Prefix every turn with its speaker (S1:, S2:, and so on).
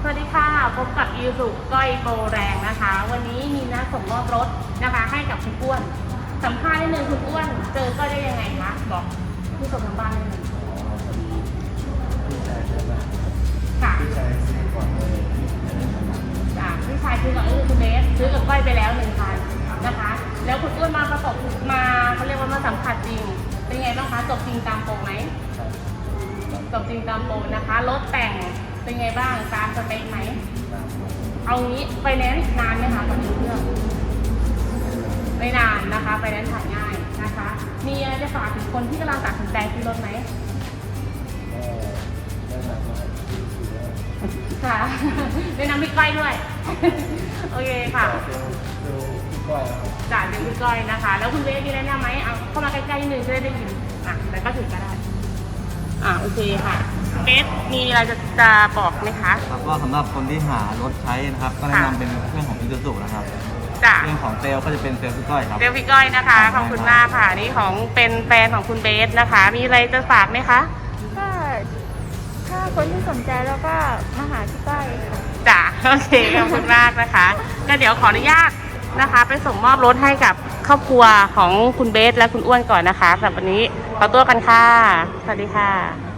S1: สวัสดีค่ะพบกับอีสุก้อยโปรแรงนะคะวันนี้มีนัดส่งมอบรถนะคะให้กับคุณอ้วนสัมภาษณ์นิดนึงคุณอ้วนเจอก็ได้ยังไงคะบอกผู้ชมทางบ้านนิดนึง
S2: พี่ชายใช่ไหม
S1: ค่ะ
S2: พี่ชายซื้อก่อนเลย
S1: พี่ชายซื้อก่อนก็คือคุณเบสซื้อกับก้อยไปแล้ว1,000นะคะแล้วคุณอ้วนมาประกบมาเขาเรียกว่ามาสัมผัสจริงเป็นไงบ้างคะจบจริงตามโปรไหมจบจริงตามโปรนะคะรถแต่งเป็นไงบ้างตามสเปคไหมเอางี้ไฟแนนซ์นานไหมคะตอนนี้เครื่องไม่นานนะคะไฟแนนซ์ถ่ายง่ายนะคะมีอะไรจะฝากถึงคนที่กำลังตัดสินใจซื้อรถไหมค่ะแนะนำพี่ก้อยด้วยโอเคค่ะจ่ายเป็นพี่ก้อยนะคะแล้วคุณเวฟมีแนะนำไหมเอาเข้ามาใกล้ๆนิดนึงจะได้ยินแต่ก็ถึงก็ได้โอเคค่ะเบสมีอะไรจะบอกไหมคะ
S2: ครับว่าสำหรับคนที่หารถใช้นะครับก็แนะนำเป็นเครื่องของอิซูซุนะครับเรื่องของเซลก็จะเป็นเซลพี่ก้อยครับ
S1: เซลพี่ก้อยนะคะขอบคุณมากค่ะนี่ของเป็นแฟนของคุณเบสนะคะมีอะไรจะฝากไหมคะ
S3: ก็ถ้าคนที่สนใจแล้วก็มาหาที่ก้อยค่ะ
S1: จ้ะโอเคขอบคุณมากนะคะก็เดี๋ยวขออนุญาตนะคะไปส่งมอบรถให้กับครอบครัวของคุณเบสและคุณอ้วนก่อนนะคะสำหรับวันนี้ขอตัวกันค่ะสวัสดีค่ะ